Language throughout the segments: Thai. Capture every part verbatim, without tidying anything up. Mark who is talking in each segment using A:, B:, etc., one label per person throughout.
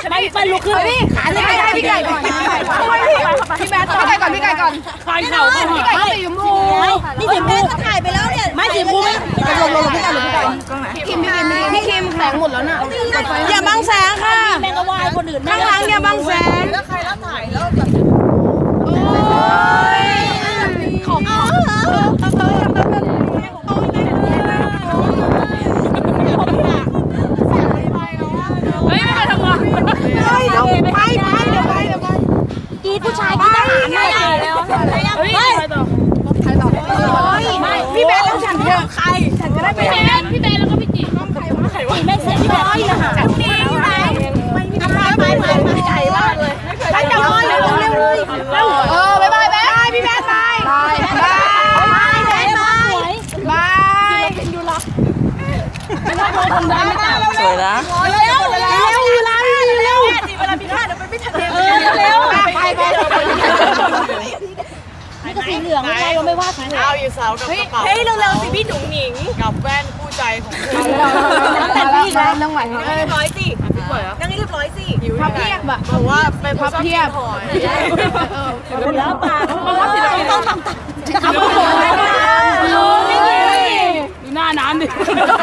A: ไปไปลุกขึ้นพี่ขาเลยพี่ไก่ก่อนพี่แบทพี่ไก่ก่อนพี่ไก่ก่อนควายเข่าพี่ไก่สีชมพูนี่สีชมพูถ่ายไปแล้วเนี่ยไม่สีชมพูไม่ลงลงพี่ไก่ลงพี่ไก่คิมพี่คิมพี่คิมแสงหมดแล้วน่ะอย่าบังแสงค่ะแมงกะวายคนอื่นข้างหลังอย่าบังแสงแล้วใครรับถ่ายแล้วแบบโอ้ยของเขาเฮ้ยไม่ไปทำงานเฮ้ยเดี๋ยวไปไปเดี๋ยวไปเดี๋ยวไปกีผู้ชายกีทหารไม่ได้แล้วเฮ้ยใครต่อใครต่อไม่พี่เบสแล้วฉันเจอใครฉันจะได้พี่เบสพี่เบสแล้วก็พี่จีต้องใครวะใครวะไม่เสร็จพี่เบสทหารนี่ไหนไม่มีใครไปไปไปใจมากเลยไปจับเลยเร็วเร็วเลยเออบายบายเบสพี่เบสไปบายบายบายบายบายเป็นยูรักไม่ได้ทำได้ไม่ต่างสวยนะเร็วเร็วเร็วเร็วเร็วเวลาพี่ท่าเดี๋ยวไปไม่ทันเร็วเร็วไปไปนี่ก็สีเหลืองไม่ใช่เราไม่ว่าสีเหลืองเอาอยู่เสากับกระเป๋าเฮ้ยเร็วๆสิพี่หนุ่งหนิงกับแว่นคู่ใจของเธอแต่พี่แล้วนั่งไหวนั่งเรียบร้อยสินั่งเรียบร้อยสิพับเพียบอะบอกว่าเป็นพับเพียบแล้วปากเพราะว่าศิลปินต้องทำทำผมดูหน้าน้ำดิ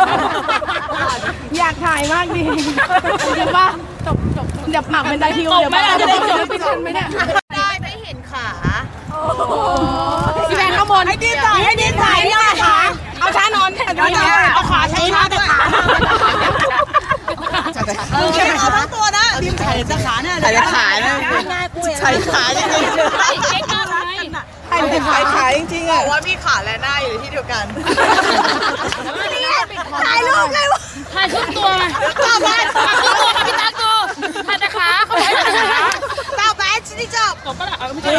A: อยากถ่ายมากดิจริงป่ะจบจบเดี๋ยวปากเป็นตะคิวเดี๋ยวไม่จะได้จบไม่ทันไหมเนี่ยได้ไม่เห็นขาพี่แบงค์ข้างบนให้ดินถ่ายให้ดินถ่ายนี่ขาเอาช้านอนเอาขาใช้ช้าแต่ขาเออเอาทั้งตัวนะดินถ่ายแต่ขาเนี่ยถ่ายแต่ขาเนี่ยใช้ขาจริงๆใช้ขาขายขายจริงๆอ่ะว่าพี่ขาและหน้าอยู่ที่เดียวกันถ่ายรูปเลยวะถ่ายครึ่งตัวตาแบดถ่ายครึ่งตัวค่ะพี่ตากูถ่ายแต่ขาเขาถ่ายแต่ขาตาแบดชิ้นที่จบตบก็ได้เอาไม่ใช่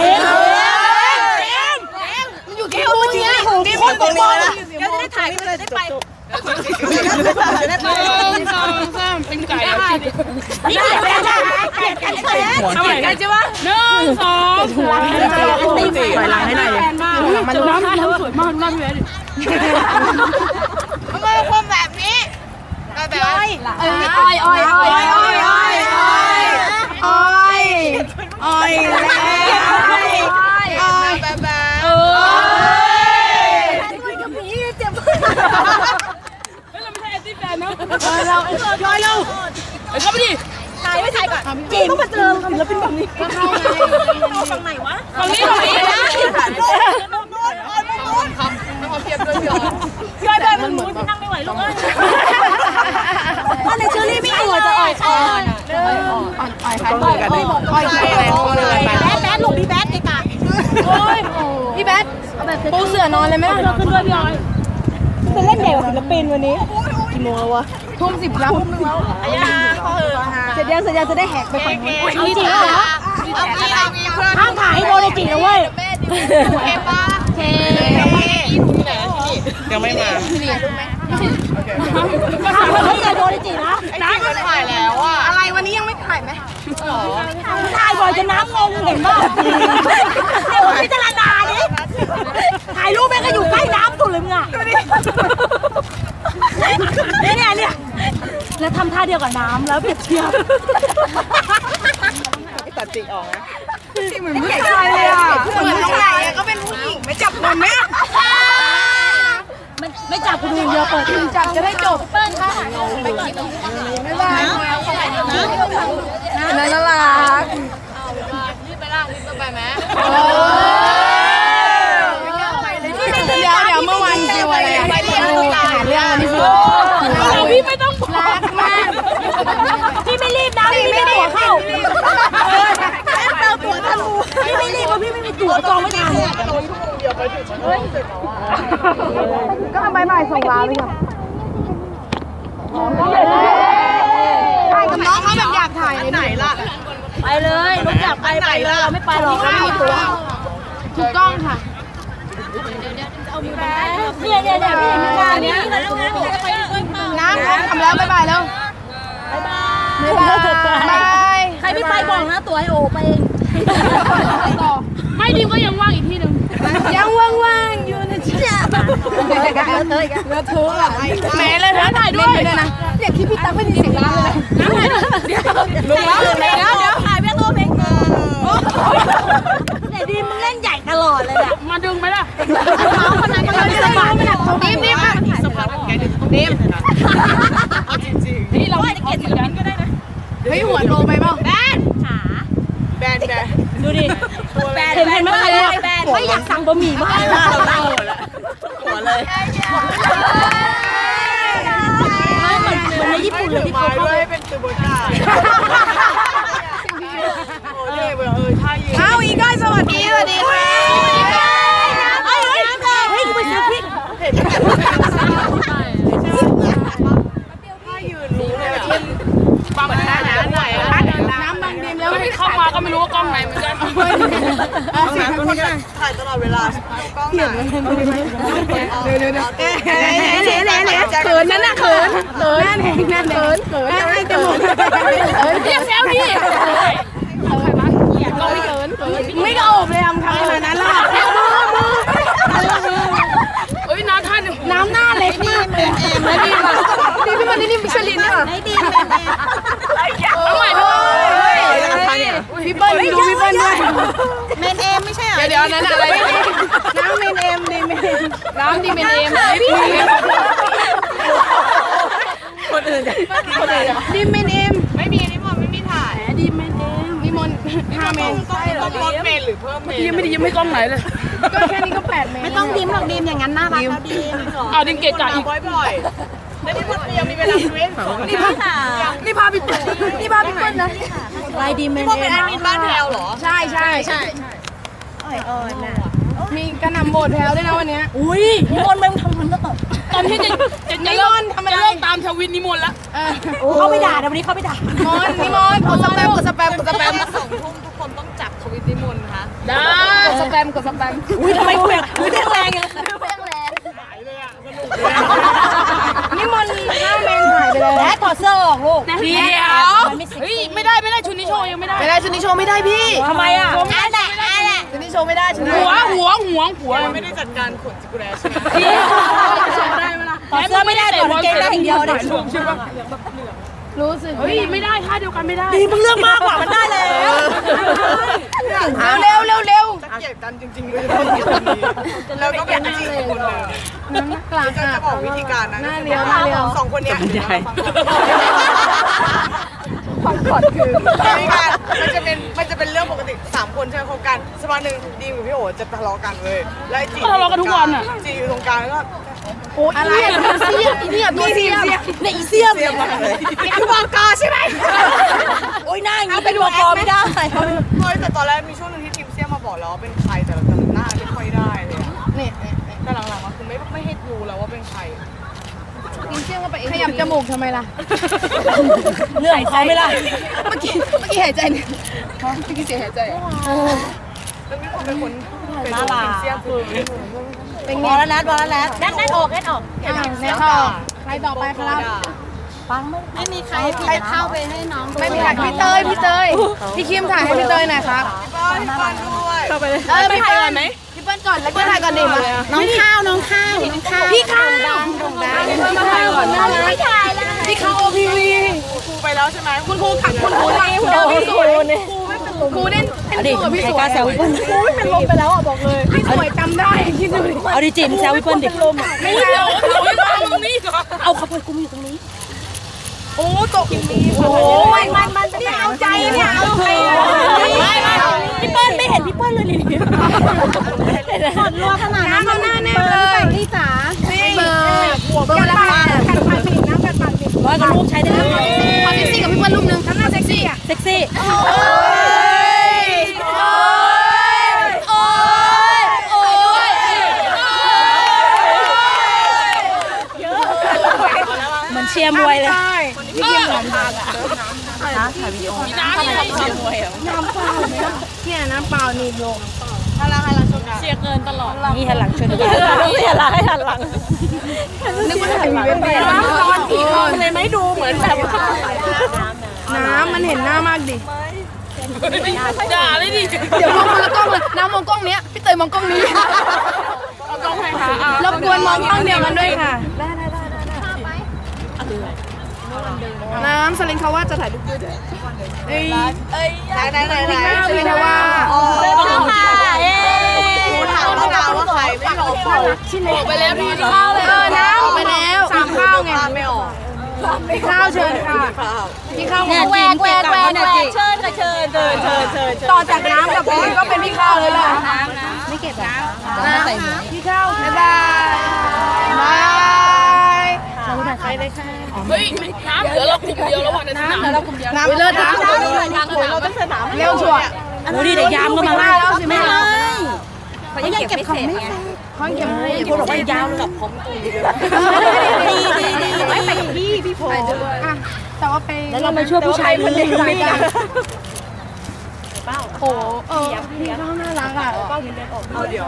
A: มันอยู่ที่หูจริงดิคนตรงนี้นะเดี๋ยวจะได้ถ่ายเลยได้ไปจะได้ไปหนึ่งสองสามเป็นไก่นี่เกลียดกันจ้ะเกลียดกันใช่ไหมเกลียดกันใช่ไหมหนึ่งสองสามตีปล่อยหลังให้หน่อยมันน้ำน้ำสวยมากน้ำเยอะดิทำไมคนแบบนี้แบบอ้อยอ้อยอ้อยอ้อยอ้อยอ้อยอ้อยอ้อยอ้อยอ้อยแบบแบบเออกับผีเจ็บเราไม่ใช่แอนตี้แฟนนะเราย่อยเราไปเข้าไปดิถ่ายไม่ถ่ายก่อนจีนต้องมาเจอแล้วเป็นแบบนี้ก็เข้าไงฝั่งไหนวะฝั่งนี้ฝั่งนี้นะโน่นโน่นโน่นโน่นโน่นทำไม่พอเพียบด้วยพี่อ๋อย่อยแบบมันหมุนนั่งไม่ไหวลูกเอ้ยตอนในเชอรี่ไม่อ่อยจะอ่อยอ่อนอ่อนอ่อยใครอ่อยกันเลยอ่อยใครอะไรแบทแบทหลบพี่แบทไอ้กาโอ้ยพี่แบทปูเสือนอนเลยไหมล่ะขึ้นด้วยพี่อ๋อยจะเล่นเดี่ยวศิลปินวันนี้กี่โมงแล้ววะทุ่มสิบแล้วทุ่มนึงแล้วอายาพอเหอะเสร็จยังเสร็จยังจะได้แหกไปฝั่งนู้นเอาจริงเหรอห้ามถ่ายให้โดนในจีนะเว้ยเคป้าเคยังไม่มาก็ถามว่าเขาจะโดนในจีนะน้ำก็ถ่ายแล้วอ่ะอะไรวันนี้ยังไม่ถ่ายไหมถ่ายบ่อยจนน้ำงงเห็นป่ะเดี๋ยวพิจารณาดิถ่ายรูปแม่ก็อยู่ใกล้น้ำสุดเลยมึงอ่ะเนี่ยเนี่ยแล้วทำท่าเดียวกับน้ำแล้วเปรียบเทียบไม่ตัดจิกออกนะจริงเหมือนผู้ชายเลยอ่ะเหมือนน้องไหนก็เป็นผู้หญิงไม่จับนมเนี่ยมันไม่จับคุณดูเยอะเปิดจับจะได้จบเปิ้ลค่ะไปกินไม่ได้น่ารักรีบไปล่างรีบไปไหมเดี๋ยวเดี๋ยวเมื่อวานเจออะไรไปเรียนเรื่องอันนี้คือพี่ไม่ต้องรักมากพี่ไม่รีบนะพี่ไม่ได้หัวเข้าเติมตัวทะลุพี่ไม่รีบเพราะพี่ไม่มีตั๋วจองไม่ทันก็ทำใบใหม่ส่งลาไปก่อนถ่ายกับน้องเขาแบบอยากถ่ายไหนล่ะไปเลยน้องอยากไปไปเลยเราไม่ไปหรอกไม่มีตั๋วถูกต้องค่ะเนี่ยเนี่ยเนี่ยพี่มีงานนี้น้ำทำแล้วบ๊ายบายแล้วบ๊ายบายบ๊ายบายใครไม่ไปบอกนะตัวให้โอไปเองไม่ดิมก็ยังว่างอีกที่หนึ่งยังว่างๆอยู่นะจ๊ะเนื้อเธอเนื้อเธออะแม่เลยนะถ่ายด้วยนะเด็กที่พี่ตั๊กไม่มีเสียงร้านเลยนะลุงแล้วเมาคนนั้นก็เลยสะบัดนิ่มนิ่มสะบัดแกดึงนิ่มนี่เราจะเกลียดกันก็ได้นะเฮ้ยหัวโตไปเปล่าแบนขาแบนแบนดูดิแบนเห็นไหมแบนไม่อยากสั่งบะหมี่มากเราเล่าแล้วหัวเลยเหมือนเหมือนในญี่ปุ่นเลยที่เขาด้วยเป็นตัวบนได้โอ้เล่เออท่ายืนเอาอีกก้อยสวัสดีสวัสดีค่ะเฮ้ยเฮ้ยเฮ้ยไปซื้อพริกเห็นท่ายืนรู้เลยอ่ะบางท่าน้ำไหวน้ำบางดิมแล้วไม่เข้ามาก็ไม่รู้ว่ากล้องไหนเหมือนกันถ่ายตลอดเวลากล้องไหนเดี๋ยวเดี๋ยวเดี๋ยวเดี๋ยวเดี๋ยวเดี๋ยวเขินนั่นน่ะเขินเขินนั่นเองนั่นเขินเขินนั่นจมูกเฮ้ยเรียกแซวดิก็ไม่เขินไม่กระโอบเลยทำขนาดนั้นล่ะเฮ้ยน้ำท่านน้ำหน้าเล็กมากเลยแล้วดีป่ะดีพี่มันนี่มิชลินเนี่ยไม่ดีเอาใหม่ด้วยพี่เปิ้ลดูพี่เปิ้ลด้วยเมนเอมไม่ใช่เหรอเดี๋ยวนั้นอะไรน้ำเมนเอมดีเมนน้ำดีเมนเอมคนอื่นคนอื่นดีเมนเอมไม่มีนิมนต์ไม่มีถ่ายดีเมนเอมนิมนต์ห้าเมนต้องลดเมนหรือเพิ่มเมนยังไม่ดียังไม่กล้องไหนเลยก็แค่นี้ก็แปดเมนไม่ต้องดิมหรอกดิมอย่างนั้นน่ารักแล้วดิมเอาดิมเกะกะอีกบ่อยๆแล้วนี่มันยังมีเวลาเว้นนี่พานี่พาพี่นี่พาพี่เปิ้ลนะลายดีเมนเอมเป็นแอดมินบ้านแถวเหรอใช่ใช่ใช่อ่อนๆน่ะมีกระหน่ำโหมดแถวด้วยนะวันนี้อุ้ยนิมนต์มึงทำมันก็ตตอนที่จะจะจะเลิกทำมันเลิกตามชวินนิมนต์ละเขาไปด่าเดี๋ยววันนี้เขาไปด่านิมนต์นิมนต์กดสแปมกดสแปมกดสแปมสองทุ่มทุกคนต้องจับทวิตนิมนต์คะได้กดสแปมกดสแปมอุ้ยทำไมคุยคุยแรงแรงยังแรงแรงหายเลยอ่ะสนุกนิมนต์ห้าเมนหายไปเลยแล้ถอดเสื้อออกลูกเดี๋ยวเฮ้ยไม่ได้ไม่ได้ชุดนี้โชว์ยังไม่ได้ไม่ได้ชุดนี้โชว์ไม่ได้พี่ทำไมอ่ะอ่ะแหละอ่ะแหละชุดนี้โชว์ไม่ได้ชุดนี้หัวหัวหัวหัวไม่ได้จัดการขนจิกุแรใช่ไหมพี่โชว์ได้ไหมล่ะถอดเสื้อไม่ได้ถอดกางเกงได้อย่างเดียวเด็กใช่ปะรู้สึกเฮ้ยไม่ได้ท่าเดียวกันไม่ได้ดีมึงเลือกมากกว่ามันได้แล้วเร็วเร็วเร็วจะเกลียดกันจริงๆเลยแล้วก็แบบจริงคนเลยน้ำกลางจะบอกวิธีการนะหน้าเลี้ยวหน้าเลี้ยวสองคนนี้ความกดคือวิธีการมันจะเป็นมันจะเป็นเรื่องปกติสามคนใช่ไหมคบกันสักวันหนึ่งดีมกับพี่โอ๋จะทะเลาะกันเลยแล้วจีทะเลาะกันทุกวันอ่ะจีอยู่ตรงกลางแล้วก็โอ้ยอะไรเสียเนี่ยมีเสียเนี่ยอีเสียเนี่ยคือวางกาใช่ไหมโอ้ยหน้าอย่างนี้เป็นวางกาไม่ได้เฮ้ยแต่ตอนแรกมีช่วงนึงที่ทีมเสียมาบอกแล้วว่าเป็นใครแต่จำหน้าไม่ค่อยได้เลยเนี่ยแต่หลังๆมันคือไม่ไม่ให้รู้แล้วว่าเป็นใครทีมเสียก็ไปขยับจมูกทำไมล่ะเรื่องเขาไม่ล่ะเมื่อกี้เมื่อกี้หายใจเนี่ยเมื่อกี้เสียหายใจแล้วมีคนเป็นคนเป็นทีมเสียคือเป็นบอลแล้วนัดบอลแล้วนัดนัดนัดออกนัดออกนัดออกใครต่อไปครับฟังไม่ไม่มีใครใครเข้าไปให้น้องไม่มีใครพี่เตยพี่เตยพี่คิมถ่ายให้พี่เตยหน่อยครับพี่เปิ้ลด้วยเข้าไปเลยเออพี่ถ่ายก่อนไหมพี่เปิ้ลก่อนแล้วก็ถ่ายก่อนดิมาน้องข้าวน้องข้าวน้องข้าวพี่ข้าวดำดงดำพี่เปิ้ลมาถ่ายก่อนนะไม่ถ่ายแล้วพี่ข้าวโอพีวีครูไปแล้วใช่ไหมคุณครูขัดคุณครูนี่คุณครูนี่ครูเล่นเป็นครูกับพี่สวยครูไม่เป็นลมไปแล้วอ่ะบอกเลยพี่สวยจำได้คิดดูเอาดิจิมแซวพี่เปิ้ลดิไม่ใช่เอาเอาไว้ตรงนี้ก่อนเอาเขาไปกูอยู่ตรงนี้โอ้ตกโอ้ยมันมันไม่เอาใจเนี่ยเอาใจพี่เปิ้ลไม่เห็นพี่เปิ้ลเลยนี่หดรัวขนาดนั้นน้ำหน้าแน่เลยพี่จ๋าเบอร์เบอร์ละค่ะกันปากปิดน้ำกันปากปิดร้อยกับลูกใช้ได้เลยขอเซ็กซี่กับพี่เปิ้ลรูปนึงทำหน้าเซ็กซี่เซ็กซี่โอ้ยโอ้ยโอ้ยโอ้ยเหมือนเชียร์มวยเลยพี่เกียร์หลังอะถ่ายวิดีโอน้ำอะไรเชียร์มวยอ่ะน้ำเปล่าเนี่ยน้ำเปล่านี่ลงหันหลังหันหลังชนกันเชียร์เกินตลอดนี่หันหลังชนกันต้องเชียร์หลังให้หันหลังนึกว่าถ่ายวีดีโอตอนสี่คนเลยไม่ดูเหมือนแบบน้ำมันเห็นหน้ามากดิด่าเลยดิเดี๋ยวมองคนละกล้องเลยน้ำมองกล้องเนี้ยพี่เตยมองกล้องนี้เอากล้องให้ค่ะรบกวนมองกล้องเดียวกันด้วยค่ะได้ได้ได้ได้น้ำสลิงเขาว่าจะถ่ายรูปด้วยเอ้ยไหนไหนไหนไหนสลิงเขาว่าโอ้ค่ะเอ้ยถามเราว่าใครไม่หลชิ้นเล็กไปแล้วพี่ข้าวเลยเออน้ำไปแล้วสามข้าวไงไม่ออกพี่ข้าวเชิญค่ะพี่ข้าวแหวกแหวกแหวกแหวกเชิญค่ะเชิญเชิญเชิญเชิญต่อจากน้ำกับพี่ก็เป็นพี่ข้าวเลยล่ะไม่เก็บน้ำน้ำพี่ข้าวบ๊ายบายบายใครเลยค่ะเฮ้ยน้ำเหลือเรากลุ่มเดียวแล้ววันนี้น้ำเหลือเรากลุ่มเดียวน้ำเลิศน้ำเราต้องสนามเร็วชัวร์ดูดิเด็กยามก็มาล่าแล้วสิแม่เลยเขายังเก็บของไม่เสร็จเขาเก็บไม่พวกเราไปยาวกับผมดีดีดีไม่ไปกับพี่พี่โพแต่ว่าไปแล้วเราไปช่วยผู้ชายคนนี้ไม่ได้เป้าโอ้เออพี่น้องน่ารักอ่ะเป้าเงินเดือนออกเอาเดี๋ยว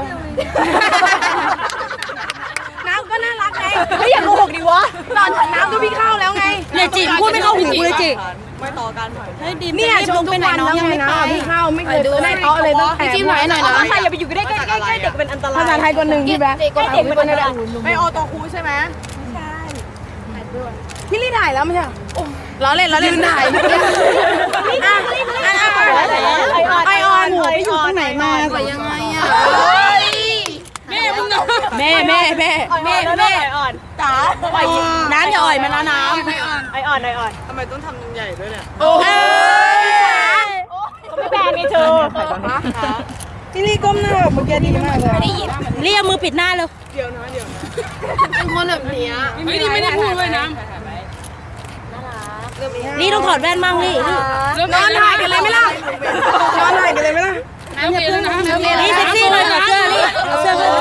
A: น้ำก็น่ารักไงไม่อยากโกหกดิวะตอนน้ำก็พี่เข้าแล้วไงเนี่ยจิพูดไม่เข้าหูเลยจิไม่ต่อกันเฮ้ยดีเนี่ยชมทุกวันแล้วไงนะพี่เข้าไม่เคยดูในโต๊ะเลยต้องจิ้มหน่อยหน่อยนะใครอย่าไปอยู่ใกล้ใกล้ใกล้เด็กเป็นอันตรายภาษาไทยคนหนึ่งพี่แบ๊กเด็กเป็นอันตรายไม่ออตคูใช่ไหมใช่พี่ลี่ถ่ายแล้วไม่ใช่ล้อเล่นล้อเล่นถ่ายอ่ะไอออนหัวไปอยู่ตรงไหนมาไปยังไงอ่ะแม่มึงแม่แม่แม่แม่แม่อ่อนจ๋าปล่อยน้ำอย่าอ่อยมันนะน้ำไออ่อนไออ่อนไออ่อนทำไมต้องทำใหญ่ด้วยเนี่ยโอ้ยเขาไม่แบนไงเธอพี่ลี่ก้มหน้าเมื่อกี้ดีมากเลยเรียกมือปิดหน้าเลยเดี๋ยวนะเดี๋ยวนะเป็นคนแบบนี้ไม่ได้ไม่ได้พูดด้วยน้ำนี่ต้องถอดแว่นมั่งนี่นอนถ่ายกันเลยไหมล่ะนอนถ่ายกันเลยไหมล่ะนี่เซ็กซี่เลยเสื้อนี่เสื้อเลย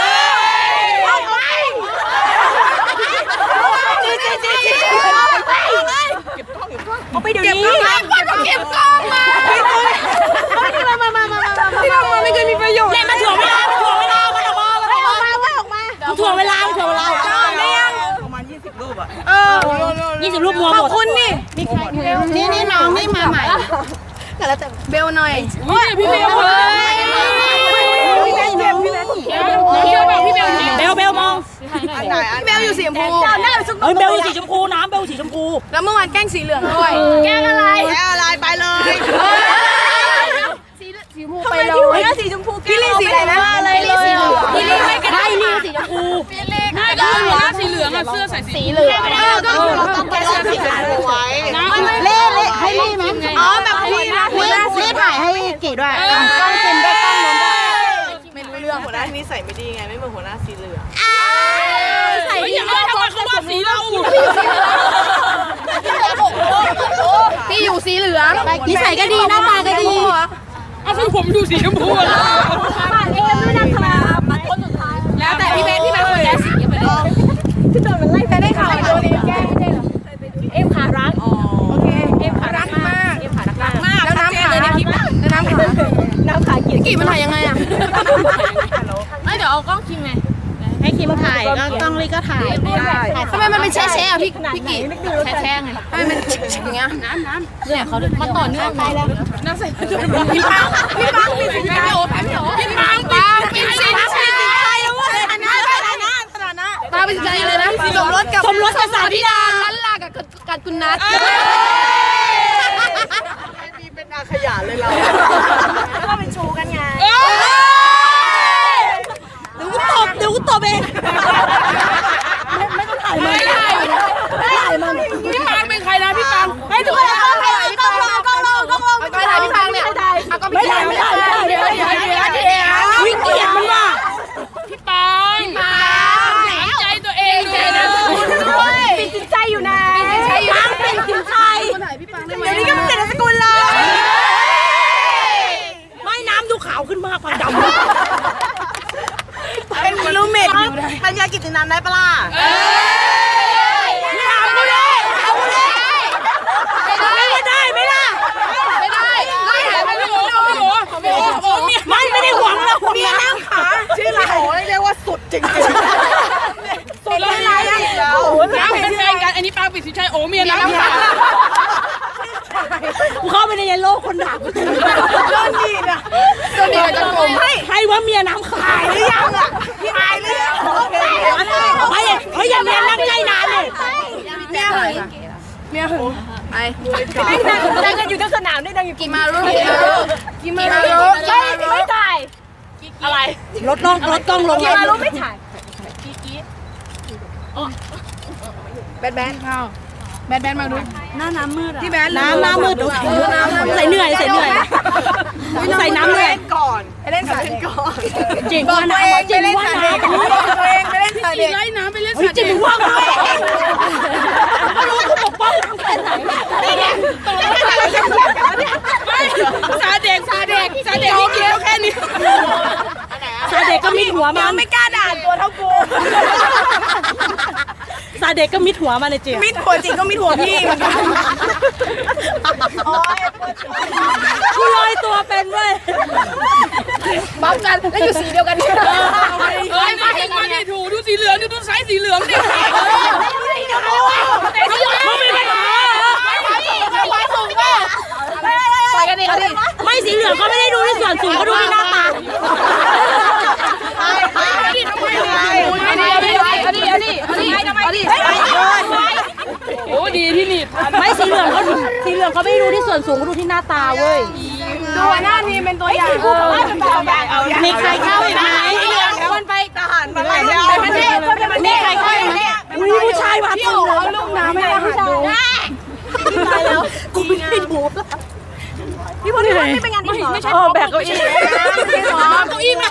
A: เอาไปเดี๋ยวนี้เก็บกล้องมามามามาที่เราไม่เคยมีประโยชน์เล่นมาถ่วงเวลามาถ่วงเวลามาออกมาออกมาออกมาถ่วงเวลาถ่วงเวลาไม่ยังประมาณยี่สิบรูปอ่ะเออยี่สิบรูปมัวหมดขอบคุณนี่นี่นี่น้องนี่มาใหม่เบลหน่อยพี่เบลเลยพี่เบลพี่เบลพี่เบลเบลเบลมองเบลอยู่สีชมพูเฮ้ยเบลอยู่สีชมพูน้ำเบลสีชมพูแล้วเมื่อวานแกล้งสีเหลืองด้วยแกล้งอะไรแกล้งอะไรไปเลยสีชมพูไปเลยสีชมพูพี่ลี่สีอะไรนะอะไรเลยพี่ลี่ไม่กันได้ลี่สีชมพูพี่ลี่ก็ได้สีเหลืองอ่ะเสื้อใส่สีเหลืองเออก็เราต้องแก้เสื้อสีขาวไว้เล่เล่ให้ลี่ไหมอ๋อแบบลี่นะลี่ถ่ายให้กี่ด้วยกล้องเต็มด้วยกล้องล้มด้วยไม่รู้เรื่องหัวหน้าที่นี่ใส่ไม่ดีไงไม่เหมือนหัวหน้าสีเหลืองใส่ดีมากทำไมเขาว่าสีเราพี่อยู่สีเหลืองนิสัยก็ดีหน้าตาก็ดีเอาคือผมอยู่สีชมพูแล้วฝากเอ็มด้วยนะครับคนสุดท้ายแล้วแต่พี่เบนพี่เบนคนแรกสีไปเลยที่โดนมันไล่แต่ได้ข่าวโดนแก้ไม่ใช่เหรอเอ็มขารักโอเคเอ็มขารักมากเอ็มขารักมากแล้วน้ำขาในคลิปแล้วน้ำขาน้ำขากี่กี่มันถ่ายยังไงอ่ะไม่เดี๋ยวเอากล้องคิมไงให้คิมถ่ายก็กล้องลีก็ถ่ายทำไมมันเป็นแช่แช่อะพี่พี่กี่แช่แช่ไงทำไมมันอย่างเงี้ยน้ำน้ำเนี่ยเขามันต่อเนื่องไปแล้วน้ำใส่พี่ปังพี่ปังพี่ปังพี่โอ้พี่ปังปังกินสินใช่แล้วเว้ยอันนั้นขนาดนั้นขนาดนั้นตาเป็นใจเลยนะสมรสกับสมรสกับสาธิดาลันลากับกันกุนัทมีเป็นอาขยะเลยเราก็เป็นชูกันไงเดี๋ยวกูตบเดี๋ยวกูตบเองไม่ต้องถ่ายมันไม่ถ่ายมันพี่ปังเป็นใครนะพี่ปังให้ทุกคนต้องถ่ายพี่ปังกล้องลงกล้องลงไม่ถ่ายพี่ปังเนี่ยไม่ถ่ายไม่ถ่ายไม่ถ่ายเดี๋ยวเดี๋ยวเดี๋ยวเดี๋ยววิ่งเกลียดมันว่ะพี่ปังพี่ปังใจตัวเองใจนะเป็นจิตใจอยู่นะปังเป็นจิตใจเดี๋ยวนี้ก็เป็นเด็กสกุลเลยไม่น้ำดูขาวขึ้นมากพันดำเป็นรูเมทอยู่นะปัญญากิจนันได้ปะล่ะเอ้ยถามกูเลยถามกูเลยไม่ได้ไม่ได้ไม่ได้ไม่ได้ไม่ได้โอ้โหโอ้โหไม่ไม่ได้หวังแล้วเมียน้ำขาชื่ออะไรโอ้ยเรียกว่าสุดจริงๆสุดเลยนะน้ำเป็นแฟนกันอันนี้ปังปิดสิชัยโอ้เมียน้ำขากูเข้าไปในโลกคนด่ากูโดนดีนะโดนดีจะโกงให้ให้ว่าเมียน้ำขายหรือยังอ่ะพี่ขายหรือยังไม่เฮ้ยอย่าเมียนั่งใกล้นานเลยเมียหึงเมียหึงไปดังกันอยู่ทั้งสนามได้ดังอยู่กี่มารุกี่มารุไม่ไม่ถ่ายอะไร
B: ลดลงลดกล้องลง
A: เกี่ยวรู้ไม่ถ่าย
C: แบนแบนข้าวแบนแบนมาดู
B: หน้าน้ำมืดอะ
C: ที่แบน
B: น้ำน้ำมืดดูใส่เหนื่อยใส่เหนื่อยใส่น้ำเหนื่อย
C: ก่อนไปเล่นสาเด็กก่อน
B: จริงว่าน้ำจริงว่าน้ำ
C: ตัวเองไปเล่นสาเด็ก
A: ไล่น้ำไปเล่น
B: เฮ้ย
A: สา
B: จริ
A: เด็
B: ง
A: ก
B: ว่าน้ำไม่รู้กูปกป้องตั้งแต่ไหนนี่ไง
A: ซาเด็กซาเด็กซาเด็กนี่เกี่ยวแค่นี้
B: ซาเด็กก็มิดหัวมัน
C: ไม่กล้าด่าตัวเท่ากู
B: ซาเด็กก็มิดหัวมันเลยเจีย
C: มิดหัวจริงก็มิดหัวพี่เหมือนกันโอ้ย
B: กูลอยตัวเป็นเว้ย
C: บัฟกันแล้วอยู่สีเดียวกันนี่
A: เฮ้ยมาเห็นมาดิถูดูสีเหลืองดูไซส์สีเหลืองดิ
B: มึงมีปัญหาเหรอ
C: ไปกันดิกันดิ
B: ไม่สีเหลืองก็ไม่ได้ดูที่ส่วนสูงก็ดูที่หน้าตา
A: โอ้ดีที่นี่
B: ไม่สีเหลืองเขาสีเหลืองเขาไม่ได้ดูที่ส่วนสูงก็ดูที่หน้าตาเว้ย
C: ดูหน้าทีมเป็นตัวอย่างเป็นตัวอย่างเอาอย่าง
B: มีใครเข้าอีกไหม
C: คนไปทหารมาหลายเรื่องประเทศประเทศใครเข้าอีกเนี่ย
B: อุ้ยผู้ชายมา
C: พี่
B: เต็ม
C: โอ๋
B: เลย
C: ลูกน้ำไม่ได้ดู
B: ตายแล้วกูไม่ได้ดู
C: พี่พลพี่พลไม่เป็นงานที่หรอ
B: เออแบกเก้าอี้
A: เก้าอี้มา